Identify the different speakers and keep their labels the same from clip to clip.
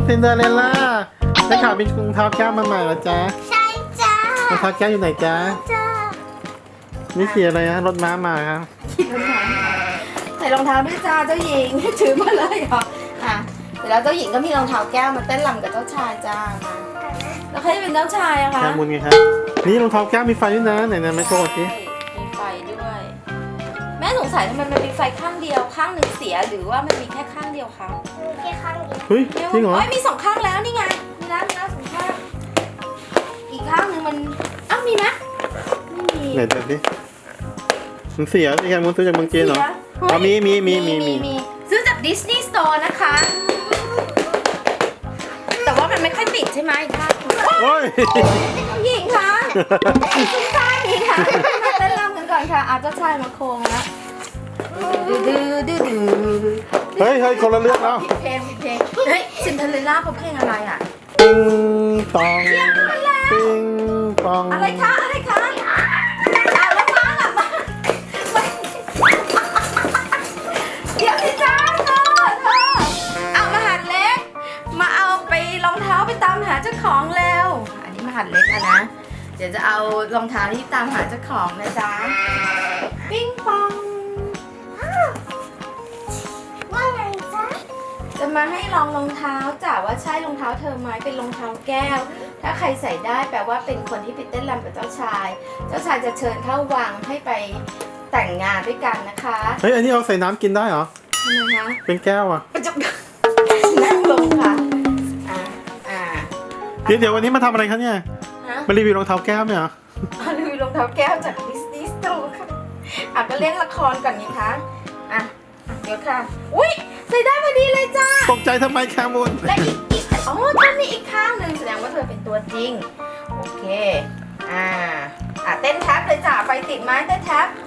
Speaker 1: ซินเดอเรลล่าได้ข่าวมีรองเท้าแก้วมาใหม่เหรอจ๊ะ
Speaker 2: ใช่จ้าร
Speaker 1: องเท้าแก้วอยู่ไหนจ๊ะ
Speaker 2: จ้า
Speaker 1: นี่สีอะไรฮะรถม้ามาครับ
Speaker 3: ขี่รถม้าใส่รองเท้าด้วยจ้าเจ้าหญิงถือมาเลยเหรออ่ะเสร็จแล้วเจ้าหญิงก็มีรองเท้าแก้วมาเต้นรำกับเจ้าชายจ้ามาแล้วใครจะเป็นเจ้าชายอะคะ
Speaker 1: แก้วมุนไงครับนี่รองเท้าแก้วมีไฟด้วยนะไหนๆไม่โชว์สิ
Speaker 3: ใช่มีไฟด้วย แม่สงสัยทำไมมันมีไฟข้างเดียวข้างหนึ่งเสียหรือว่ามันมีแค่ข้างเดียวคะ
Speaker 2: แค่ข้างเดียว
Speaker 1: เฮ้ยจริงเหรอ
Speaker 3: โอ้ยมีสองข้างแล้วนี่ไงมีแล้วสองข้างอีกข้างหนึ่งมันอ้าวมีไหมไม่มี
Speaker 1: ไหนดูดิมันเสียสิแก้วมุนซื้อจากเมืองจีนเหรอ
Speaker 3: เสีย
Speaker 1: อ๋อมี
Speaker 3: ซื้อจากดิสนีย์สโตร์นะคะ แต่ว่ามันไม่ค่อยติดใช่ไหมค่ะ
Speaker 1: โอ้ย
Speaker 3: หญิงคะคุณชายหญิงคะมาเต้นรำกันก่อนค่ะเอาเจ้าชายมาโคงแล้วดื้อ
Speaker 1: เฮ้ยคนละเรื่องแล้ว
Speaker 3: ผิดเพลงเฮ้ยซินเดอเรลล่าเขาเพลงอะไรอ่ะ
Speaker 1: ปิงปองปิงปอง
Speaker 3: อะไรคะเอาแล้วมาล่ะมาเดี๋ยวสิจ้าเธอเอามาหัดเล็กมาเอาไปรองเท้าไปตามหาเจ้าของแล้วอันนี้มาหัดเล็กอะนะเดี๋ยวจะเอารองเท้าที่ตามหาเจ้าของนะจ๊ะปิ้งปอง
Speaker 2: ว่าไงจ๊ะ
Speaker 3: จะมาให้ลองรองเท้าจ้ะว่าใช่รองเท้าเธอไหมเป็นรองเท้าแก้ว ถ้าใครใส่ได้แปลว่าเป็นคนที่ไปเต้นรำกับเจ้าชาย เจ้าชายจะเชิญเข้าวังให้ไปแต่งงานด้วยกันนะคะ
Speaker 1: เฮ้ยอันนี้เอาใส่น้ำกินได้เหรอ
Speaker 3: ทำไมคะ
Speaker 1: เป็นแก้วอ่ะ
Speaker 3: จะนั่งลงค่ะอ่า
Speaker 1: เดี๋ยววันนี้มาทำอะไรคะเนี่ย
Speaker 3: ฮะ
Speaker 1: มารีวิวรองเท้าแก้วเนี่ยเหรอ
Speaker 3: เอาดูรองเท้าแก้วจากดิสนีย์สโตร์ค่ะก็เล่นละครก่อนนี่คะอ่ะเดี๋ยวค่ะอุ้ยใส่ได้พอดีเลยจ้า
Speaker 1: ตกใจทำไมแคมุน
Speaker 3: และอีกอ๋อตอนนี้อีกข้างหนึ่งแสดงว่าเธอเป็นตัวจริง โอเค เต้นแท็บเลยจ้ะไฟติดไหมเต้นแท็บ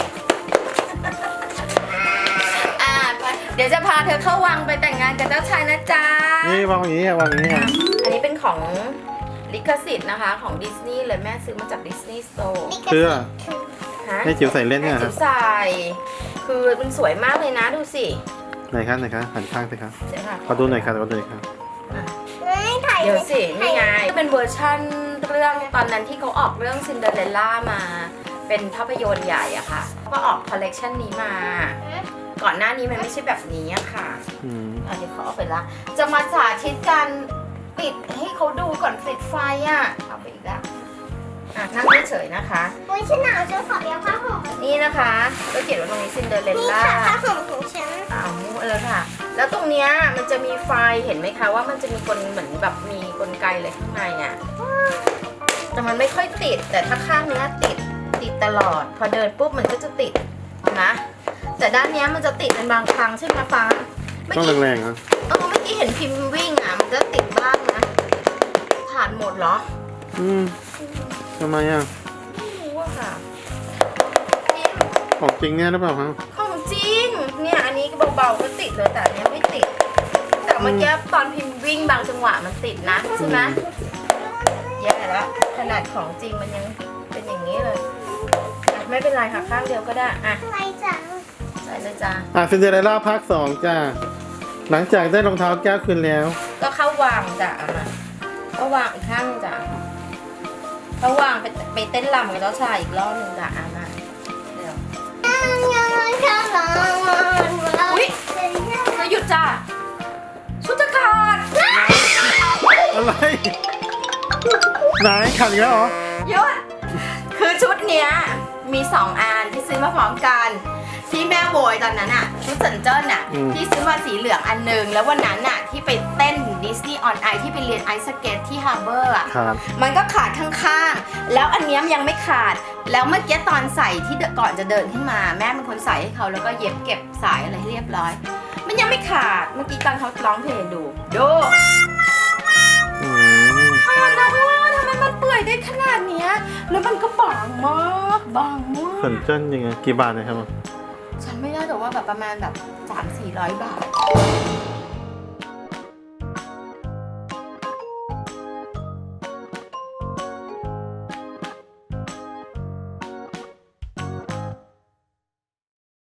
Speaker 3: ไปเดี๋ยวจะพาเธอเข้าวังไปแต่งงานกับเจ้าชายนะจ๊ะ
Speaker 1: นี่วางอย่างนี้วางอย่างนี้
Speaker 3: อันนี้เป็นของลิขสิทธิ์นะคะของดิสนีย์เลยแม่ซื้อมาจากดิสนีย์สโตร์
Speaker 1: เสื้อ
Speaker 3: ฮะ
Speaker 1: ให้จิ๋วใส่เล่นเนี่ย
Speaker 3: จิ๋วใส่คือมันสวยมากเลยนะดูสิ
Speaker 1: ไหนคะหันข้างสิครับ
Speaker 3: เดี๋ยวค่ะ
Speaker 1: ขอดูหน่อยครับขอดูหน่อยครับ
Speaker 2: ไม่ถ่าย
Speaker 3: เดี๋ยวสินี่ไงเป็นเวอร์ชั่นเรื่องตอนนั้นที่เขาออกเรื่องซินเดอเรลล่ามา เป็นภาพยนตร์ใหญ่อะค่ะก็ออกคอลเลกชันนี้มา ก่อนหน้านี้มันไม่ใช่แบบนี้อะค่ะ
Speaker 1: อืม
Speaker 3: อันนี้เขาเอาไปละ จะมาสาธิตการปิดให้เขาดูก่อนปิดไฟอะเอาไปอีกแล้วนั่งเฉยๆนะคะ
Speaker 2: โอ้ยฉันหนาวจะขอเปียกผ้าห่ม
Speaker 3: นี่นะคะก็เขียนว่าตรงนี้ซินเดอเรล
Speaker 2: นี่
Speaker 3: ล่า
Speaker 2: ค่ะผ้าห่มของฉัน
Speaker 3: ค่ะ แล้วตรงเนี้ยมันจะมีไฟเห็นไหมคะว่ามันจะมีเหมือนแบบมีกลไกอะไรข้างในเนี่ยแต่มันไม่ค่อยติดแต่ถ้าข้างเนี้ยติดตลอด พอเดินปุ๊บมันก็จะติดนะแต่ด้านเนี้ยมันจะติดเป็นบางครั้งใช่ไหมฟ้า
Speaker 1: ต้องแรงๆนะ
Speaker 3: เมื่อกี้เห็นพิมพ์วิ่งอ่ะมันจะติดบ้างนะถ่านหมดเหรอ
Speaker 1: ทำไมอ่ะ
Speaker 3: ไม่รู้อะค่ะนี่
Speaker 1: ของจริงเนี่ยหรือเปล่าครับ
Speaker 3: ของจริงเนี่ยอันนี้เบาๆก็ติดเลยแต่อันเนี้ยไม่ติด แต่เมื่อกี้ตอนพิมพ์วิ่งบางจังหวะมันติดนะใช่ไหมแย่แล้วขนาดของจริงมันยังเป็นอย่างนี้เลยไม่เป็นไรค่ะข้างเดียวก็ได้
Speaker 2: อะไรจ๊ะ
Speaker 3: ใส่เลยจ้า
Speaker 1: ซินเดอเรลล่าภาค 2จ้าหลังจากได้รองเท้าแก้วคืนแล้ว
Speaker 3: ก็เข้าวางจ้ะก็วางอีกข้างจ้ะก็วางไปเต้นรำกับเจ้าชายอีกรอบนึงจ้ะมาเดี๋ยวอุ้ยเธอหยุดจ้ะชุดจะขาด
Speaker 1: อะไรไหนขัดอีกแล้วเหรอ
Speaker 3: หยุดคือชุดเนี้ยมี2 อันที่ซื้อมาพร้อมกันที่แม่โบยตอนนั้นอะชุดเซินเจิ้นอะที่ซื้อมาสีเหลืองอันหนึ่งแล้ววันนั้นอะที่ไปเต้นดิสนีย์ออนไอที่ไปเรียนไอซ์สเก็ตที่ฮาร์เบอร์อะ
Speaker 1: ครับ
Speaker 3: มันก็ขาดข้างๆแล้วอันเนี้ยยังไม่ขาดแล้วเมื่อกี้ตอนใส่ที่ก่อนจะเดินขึ้นมาแม่เป็นคนใส่ให้เขาแล้วก็เย็บเก็บสายอะไรให้เรียบร้อย มันยังไม่ขาดเมื่อกี้ตอนเขาร้องเพลงดู
Speaker 1: อืม
Speaker 3: ขาดนะทำไมมันเปื่อยได้ขนาดเนี้ยแล้วมันก็บางมาก
Speaker 1: สนเจิ้นยังไงกี่บาทนะครับ
Speaker 3: ฉันไม่ได้แต่ว่าแบบประมาณแบบ300-400 บาท